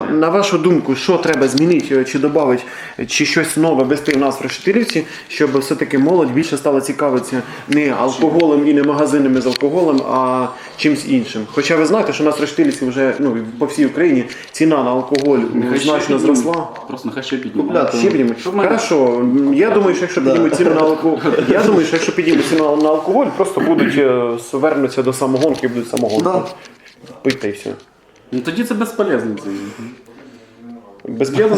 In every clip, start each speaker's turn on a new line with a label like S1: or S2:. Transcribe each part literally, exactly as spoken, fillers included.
S1: на вашу думку, що треба змінити, чи додати, чи щось нове ввести в нас в Решетилівці, щоб все-таки молодь більше стала цікавитися не алкоголем і не магазинами з алкоголем, а чимось іншим. Хоча ви знаєте, що у нас в Решетилівці вже, ну, по всій Україні ціна на алкоголь
S2: Нехай
S1: значно зросла.
S2: Просто нехай ще піднімають.
S1: Ще піднімуть. Хорошо. Я думаю, що якщо піднімуть ціну на алкоголь, я думаю, що якщо піднімуть ціну на алкоголь, просто будуть е, вернуться до самогонки і будуть самогонку. Пити та й все.
S2: Ну тоді це безполезно. Це.
S1: Безполезно?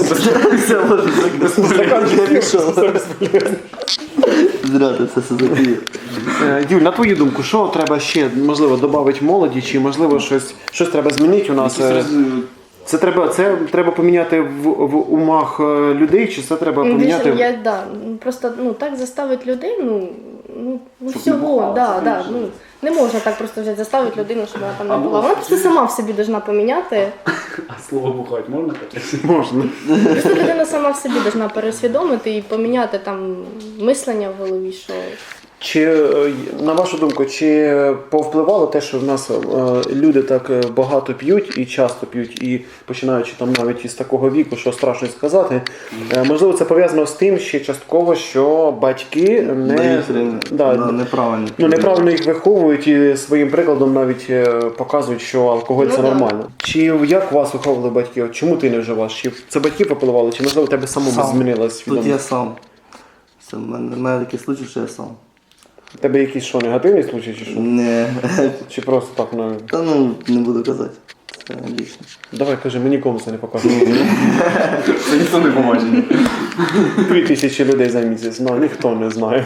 S3: Зря ти це все запіє.
S1: Юль, на твою думку, що треба ще, можливо, додати молоді, чи можливо щось, щось треба змінити у нас? Це треба, це треба поміняти в, в умах людей, чи це треба поміняти?
S4: Я, да, просто ну, так заставити людей, ну, ну, ну всього, да, да, ну, не можна так просто взяти, заставити людину, щоб вона там не була. Вона просто сама в собі повинна поміняти.
S2: А слово бухать можна казати?
S1: Можна.
S4: Просто людина сама в собі повинна пересвідомити і поміняти там мислення в голові, що...
S1: Чи, на вашу думку, чи повпливало те, що в нас е, люди так багато п'ють і часто п'ють, і починаючи там навіть із такого віку, що страшно сказати, е, можливо, це пов'язано з тим, ще частково, що батьки не, да,
S3: да, неправильно.
S1: Ну, неправильно їх виховують і своїм прикладом навіть е, показують, що алкоголь
S4: ну,
S1: це
S4: да.
S1: нормально. Чи як вас виховували батьки? От чому ти не вживаєш? Чи це батьки попливали, чи можливо тебе самому
S3: Сам.
S1: змінилась
S3: Тут
S1: свідомість?
S3: я сам. Це в мене, в мене такий случай, що я сам.
S1: У тебе якісь що, негативні случаї, чи що?
S3: Не.
S1: Чи просто так, ну...
S3: Та ну, не буду казати. Це лічно.
S1: Давай, кажи, ми нікому це не показуємо.
S2: Це ніхто не побачить.
S1: Дві тисячі людей за місяць, ну ніхто не знає.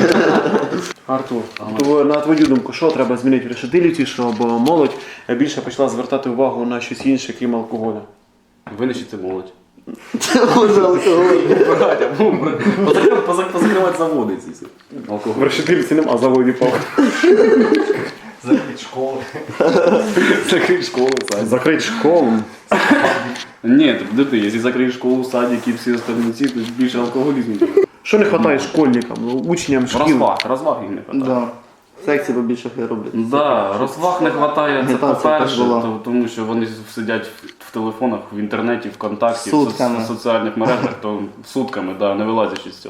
S1: Артур, то, на твою думку, що треба змінити в Решетилівці, щоб молодь більше почала звертати увагу на щось інше, крім алкоголю?
S2: Винищити молодь.
S3: Це може алкоголь.
S2: Позакривати заводи ці.
S1: В
S2: Алкоголь.
S1: Решетилівці нема заводів палок.
S2: Закрити школи. Закрити школи, садик.
S1: Закрити школу.
S2: Ні, так де ти, якщо закриєш школу, садик і всі остальні ці, то більше алкоголізму.
S1: Що не вистачає школьникам, учням шкіл?
S2: Розваг, розваг їм не вистачає.
S3: Да. Секції побільше хай роблять.
S2: Да, розваг не вистачає, це
S3: Агітація
S2: по-перше,
S3: так була.
S2: то- тому що вони сидять в телефонах, в інтернеті, ВКонтакті, в со-
S3: Сутками.
S2: в соціальних мережах, то сутками, да, не вилазячи з цього.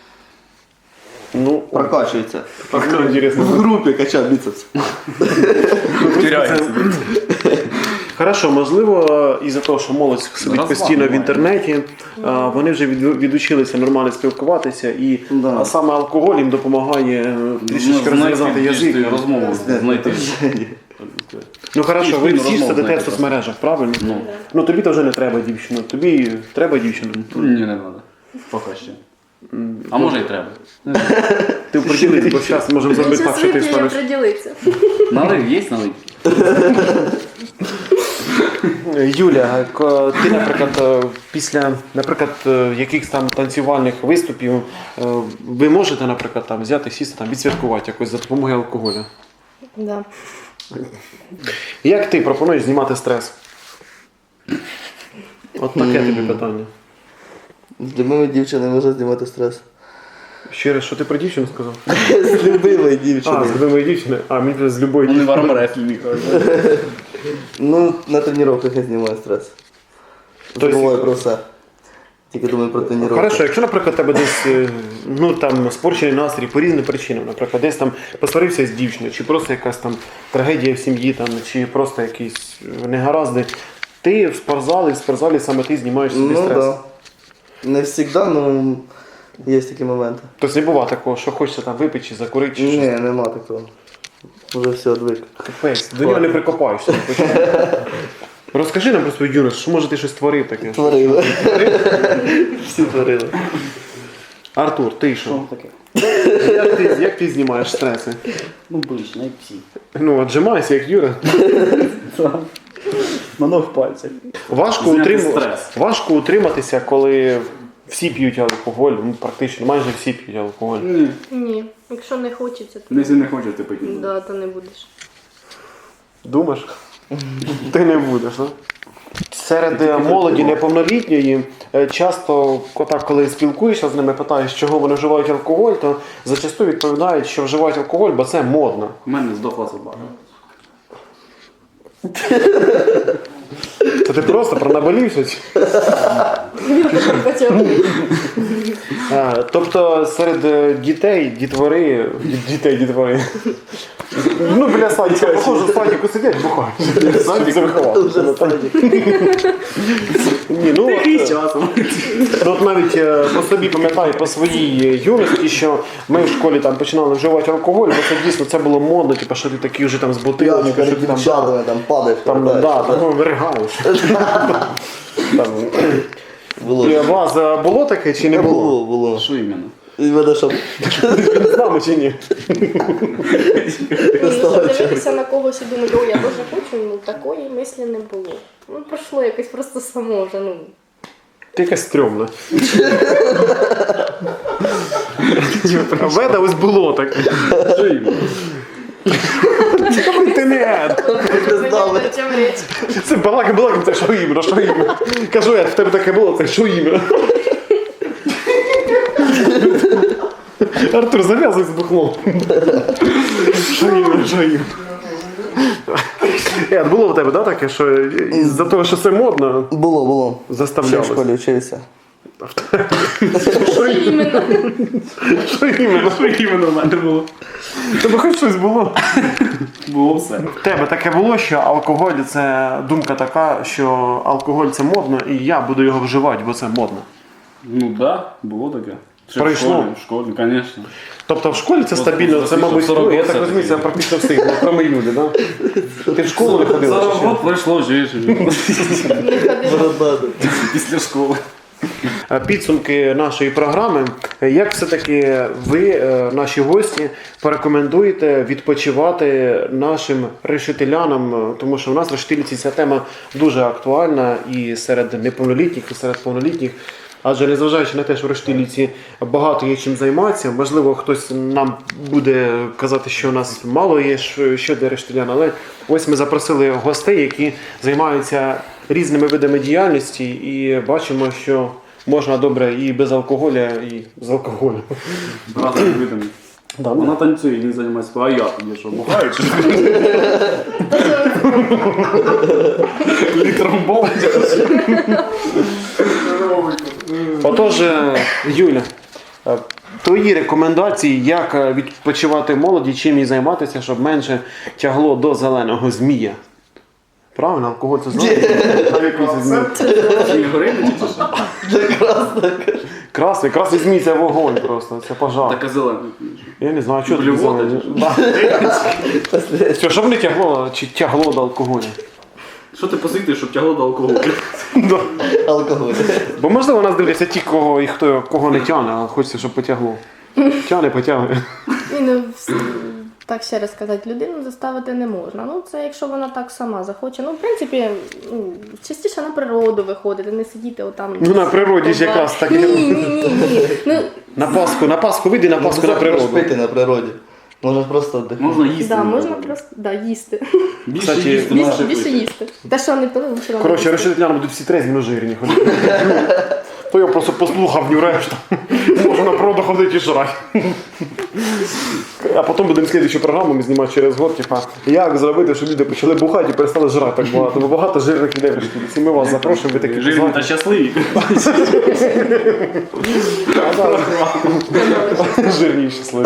S1: Ну,
S3: Прокачується.
S1: так інтересно.
S3: В групі качав біцепс.
S2: Теряється.
S1: Хорошо, можливо, із-за того, що молодь сидить
S2: Розваг
S1: постійно в
S2: немає.
S1: інтернеті, а, вони вже від- відучилися нормально спілкуватися, і
S3: Да.
S1: а саме алкоголь їм допомагає е, трішечки розв'язати язик.
S2: розмову знайти.
S1: Ну хорошо, ви
S2: Спільну
S1: всі ж
S2: розмову
S1: сидите в
S2: знайти.
S1: соцмережах, правильно?
S2: Ну.
S1: Ну тобі то вже не треба дівчину, тобі треба дівчину.
S2: Ні, не треба. Поки ще. А може і треба.
S1: Ти приділись, бо зараз можемо зробити так, що ти
S4: Зараз вип'є і
S1: станеш.
S4: приділиться.
S2: Налив, є налив?
S1: Юля, к- ти, наприклад, е, після, наприклад, е, якихось там танцювальних виступів, е, ви можете, наприклад, там взяти, сісти, там, відсвяткувати якось за допомогою алкоголю?
S4: Да.
S1: Як ти пропонуєш знімати стрес? От таке тобі питання.
S3: З любими дівчинами можна знімати стрес.
S1: Ще раз, що ти про дівчину сказав?
S3: З любимою
S1: А,
S3: дівчиною.
S1: з любої дівчини? А, мені вже з любої
S2: Вони в
S1: дівчини.
S2: армреслі.
S3: Ну, на тренуваннях я знімаю стрес.
S1: Тобто-
S3: Забуваю про все. Тільки думаю про тренування.
S1: Хорошо, якщо, наприклад, тебе десь, е, ну там, спорчений настрій по різним причинам, наприклад, десь там посварився з дівчиною, чи просто якась там трагедія в сім'ї, там, чи просто якісь негаразди, ти в спортзалі, в спортзалі саме ти знімаєш собі
S3: Ну
S1: стрес.
S3: так. Да. Не завжди, але є такі моменти.
S1: Тобто не буває такого, що хочеться там випити чи закурити, чи
S3: Ні,
S1: щось.
S3: нема такого. Вже все одвик.
S1: Капець, до нього не прикопаєшся. Розкажи нам про свою юність, що може ти щось творив таке?
S3: Творили. Всі творили.
S1: Артур, ти що?
S5: таке?
S1: Як ти, як ти знімаєш стреси?
S5: Ну, ближче, як всі.
S1: Ну, отжимайся, як Юра.
S5: На ног пальцях.
S1: Важко,
S2: Зняти
S1: утрим...
S2: стрес.
S1: Важко утриматися, коли всі п'ють алкоголь, ну практично, майже всі п'ють алкоголь.
S2: Ні.
S4: Ні. Якщо не хочеться, то,
S2: Якщо не хочете пити.
S4: да, то не будеш.
S1: Думаєш? Ти не будеш, так? Серед е, молоді неповнолітньої е, часто, отак, коли спілкуєшся з ними, питаєш, чого вони вживають алкоголь, то зачасту відповідають, що вживають алкоголь, бо це модно.
S2: У мене здохла собака.
S1: Це Що ти просто пронаболівся? чи?
S4: Він тепер почав.
S1: А, тобто серед е, дітей, дітвори, ді- дітей, дітвори. Ну, біля садика, похоже, в садику сидять, бухають. Садик заховав.
S3: Вже садик.
S1: Ні, ну, от,
S2: І
S1: е,
S2: часом.
S1: ну, от навіть е, по собі пам'ятаю, по своїй юності, що ми в школі там починали вживати алкоголь, бо це дійсно це було модно, типу, що ти такий вже там з
S3: П'яний
S1: бутилочкою, що
S3: перед
S1: ти там,
S3: дівчатами там падаєш.
S1: там,
S3: повертаєш.
S1: да, там, ну, виригаєш. Там,
S3: Було.
S1: і у вас е, було таке чи не було?
S3: Було, було.
S2: Що іменно?
S3: І мене щоб
S1: З нами чи ні?
S4: Ну, щоб дивитися на когось і думати, о, я дуже хочу, ну такої мислі не було. Ну, пройшло якось просто само вже, ну.
S1: Ти якась стрьомна. Веда ось було таке.
S2: Що іменно?
S1: Ти не.
S3: знали.
S4: В чому річ?
S1: Це балака балака, це що іменно, що іменно. Кажу, я в тебе таке було, це що іменно. Артур, зав'язуй з бухлом. Що іменно, що іменно. Ед, було в тебе, да, таке, що із-за того, що це модно,
S3: Було, було. Ще в
S1: заставлялось?
S3: школі вчився.
S4: Що іменно?
S1: Що іменно?
S2: Що іменно в мене було?
S1: Тебе хоч щось було?
S2: Було все.
S1: В тебе таке було, що алкоголь це думка така, що алкоголь це модно, і я буду його вживати, бо це модно.
S2: Ну так, да, було таке. Ще в
S1: Пройшло?
S2: школі, В школі, звісно.
S1: Тобто в школі це
S2: Просто
S1: стабільно, це,
S2: досвідчив
S1: мабуть,
S2: сорок
S1: ну, я так
S2: років
S1: розумію, це
S2: все-таки.
S1: практично всі, ну, кроме Юлі, да? Ти в школу не ходила? чи
S2: Зараз
S1: що?
S2: год пройшло, живеш
S4: Не ходила.
S3: Бородати.
S2: після школи.
S1: Е, Підсумки нашої програми. Як все-таки ви, е, наші гості, порекомендуєте відпочивати нашим решетилянам, е, тому що в нас в решетилівці ця тема дуже актуальна і серед неповнолітніх, і серед повнолітніх. Адже незважаючи на те, що в Рештилівці багато є чим займатися, можливо, хтось нам буде казати, що у нас мало є що- щодо рештилян, але ось ми запросили гостей, які займаються різними видами діяльності, і бачимо, що можна добре і без алкоголя, і з алкоголем.
S2: Разом видами.
S1: Да,
S2: Вона танцює, не займається, а я тоді що, бухаю чи що? Літром болить.
S1: Отож, е, Юля, е, твої рекомендації, як е, відпочивати молоді, чим їй займатися, щоб менше тягло до зеленого змія. Правильно, алкоголь це зелений? А який це змій?
S2: Чи не горить, чи що?
S1: Красний, красний змій це вогонь просто, це пожар.
S2: Така зелена.
S1: Я не знаю, що це
S2: Блювота
S1: зелений.
S2: чи
S1: Да. Все, щоб не тягло, чи тягло до алкоголю.
S2: Що ти посвітиш, щоб тягло до алкоголю?
S1: Да.
S3: Алкоголь.
S1: Бо можливо нас дивляться ті, кого і хто кого не тягне, а хочеться, щоб потягло. Тягне, потягне.
S4: Ні, ну, вс- так ще раз сказати, людину заставити не можна. Ну, це якщо вона так сама захоче. Ну, в принципі, ну, частіше на природу виходити, не сидіти отам.
S1: Ну, на природі ж якраз так.
S4: Ні, ні, ні, ні. Ну,
S1: На Пасху, на Пасху вийди на Пасху на природу.
S3: Пити на природі. Можна просто віддихнути.
S2: Можна їсти.
S4: да,
S2: на
S4: можна
S2: природі.
S4: просто да, їсти.
S2: Більше
S1: Кстати,
S2: їсти,
S4: Більше,
S2: менше
S4: більше
S2: пити.
S4: їсти. Те, що не пили, лучше нам
S1: Коротше,
S4: їсти.
S1: решетляни будуть всі трезві, но жирні ходити. То я просто послухав ню решту. Можу на природу ходити і жрати. А потім будемо слідчу програму ми знімати через год, типа, як зробити, щоб люди почали бухати і перестали жрати так багато. Бо багато жирних людей в Рештилівці. Ми вас запрошуємо, ви такі
S2: Жирні та
S1: позвані.
S2: щасливі.
S1: Жирні і щасливі.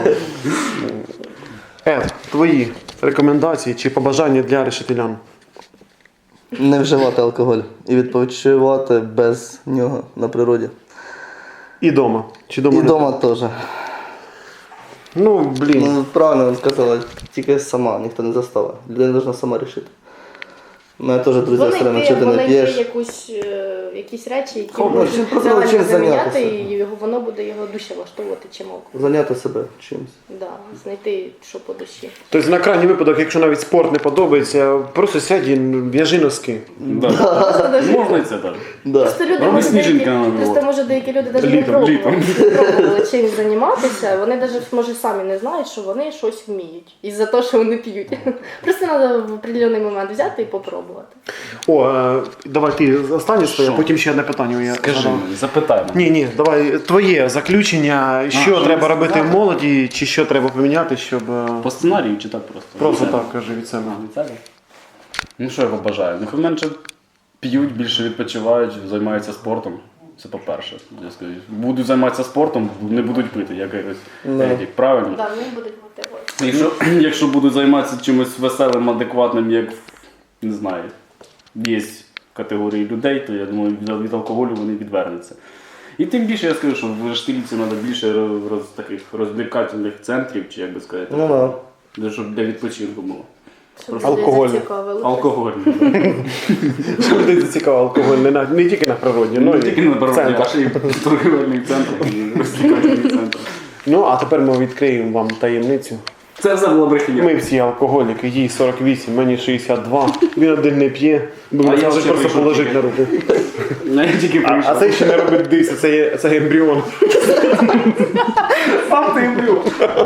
S1: Ед, твої рекомендації чи побажання для решетилян?
S3: Не вживати алкоголь і відпочивати без нього на природі.
S1: І дома. Чи дома
S3: І
S1: не
S3: вдома теж.
S1: Ну, блін.
S3: Ну, правильно ви сказали, тільки сама, ніхто не заставить. Людина повинна сама рішити. У мене теж друзі все время, що ти не
S4: Знайти
S3: п'єш.
S4: якусь, е, якісь речі, які
S3: Ну,
S4: можуть
S3: чим просто
S4: реально
S3: чим
S4: заміняти,
S3: зайнятися.
S4: і його, воно буде його душі влаштовувати чим алкоголь.
S3: Зайняти себе чимось.
S4: Да, знайти, що по душі.
S1: Тобто на крайній випадок, якщо навіть спорт не подобається, просто сядь і в'яжи носки.
S2: Да.
S4: Просто даже-
S2: Можна і це так.
S3: Да.
S4: Просто люди
S2: Роби
S4: може деякі,
S2: сніжинки на Новий
S4: просто
S2: год.
S4: може деякі люди навіть не
S2: Літом,
S4: пробували,
S2: літом.
S4: не пробували чим займатися. Вони навіть може самі не знають, що вони щось вміють із-за того, що вони п'ють. Просто треба в определений момент взяти і попробувати.
S1: О, е, давай ти останнє своє,
S2: Що?
S1: потім ще одне питання. Я
S2: Скажи
S1: задам.
S2: мені, запитай мене.
S1: Ні, ні, давай твоє заключення, що
S2: що
S1: треба
S2: мені
S1: робити
S2: сказати?
S1: в молоді, чи що треба поміняти, щоб е,
S2: По сценарію чи так просто?
S1: просто
S2: Від себе?
S1: так кажи від себе.
S2: А, від себе? Ну що я побажаю? Нехай менше п'ють, більше відпочивають, займаються спортом. Це по-перше. Я скажу. Будуть займатися спортом, не будуть пити, як якось
S3: Да.
S2: етик, правильно?
S4: Да, вони будуть мотивувати.
S2: Якщо, якщо будуть займатися чимось веселим, адекватним, як, не знаю, є категорії людей, то я думаю, від, від алкоголю вони відвернуться. І тим більше я скажу, що в Штиліці треба більше роз, таких розвлекательних центрів, чи як би сказати,
S3: Ну да.
S2: для- щоб для відпочинку було.
S4: Щоб
S2: Просто
S4: людей
S1: алкогольне.
S4: зацікавили.
S2: Алкогольний.
S1: Що людей зацікавив алкоголь не, на, не тільки на природі, ну
S2: Не
S1: і
S2: тільки на
S1: в
S2: дорозі,
S1: центрах.
S2: а ще й торгівельний центр і розвлекательний центр.
S1: Ну, а тепер ми відкриємо вам таємницю.
S2: Це все було брехня.
S1: Ми всі алкоголіки, їй сорок вісім, мені шістдесят два, він один не п'є, бо
S2: А
S1: він
S2: я
S1: може
S2: ще
S1: просто
S2: вийшов
S1: положити
S2: тільки.
S1: на руку.
S2: Ну, я тільки
S1: А, а
S2: прийшов.
S1: це ще не робить диси, це, є, це ембріон.
S2: Сам ти ембріон.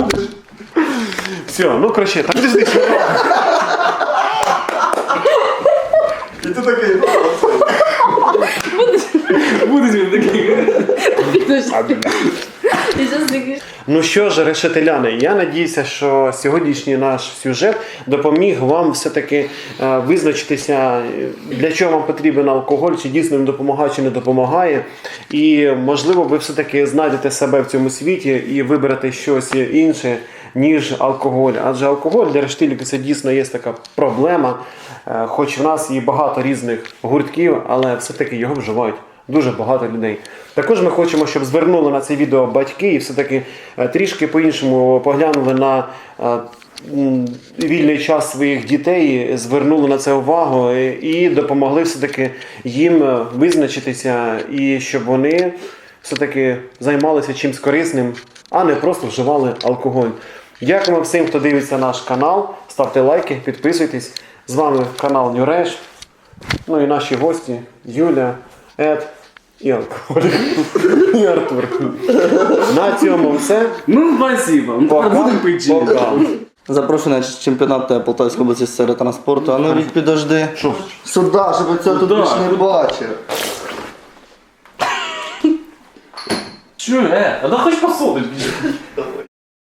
S1: Все, ну краще, так ти здесь.
S3: І ти такий.
S2: Будеш він такий.
S4: І зараз такий,
S1: Ну що ж, решетиляни, я надіюся, що сьогоднішній наш сюжет допоміг вам все-таки е, визначитися, е, для чого вам потрібен алкоголь, чи дійсно він допомагає, чи не допомагає. І можливо ви все-таки знайдете себе в цьому світі і виберете щось інше, ніж алкоголь. Адже алкоголь для рештиліки це дійсно є така проблема, е, хоч в нас є багато різних гуртків, але все-таки його вживають дуже багато людей. Також ми хочемо, щоб звернули на це відео батьки і все-таки е, трішки по-іншому поглянули на е, м, вільний час своїх дітей, звернули на це увагу і, і допомогли все-таки їм е, визначитися і щоб вони все-таки займалися чимось корисним, а не просто вживали алкоголь. Дякуємо всім, хто дивиться наш канал. Ставте лайки, підписуйтесь. З вами канал Нюреш. Ну і наші гості Юля, Ед і алкоголь. І Артур. На цьому все.
S2: Ну, спасибо. Ну, тепер
S1: Пока.
S2: будемо пити чи ні?
S1: Пока.
S3: Запрошую на чемпіонат Полтавської області з серед транспорту. А ну рік підожди.
S1: Що?
S3: Сюди, щоб цього тут
S2: Куда?
S3: більше не бачив.
S2: Чё, э? А да хоть посудить.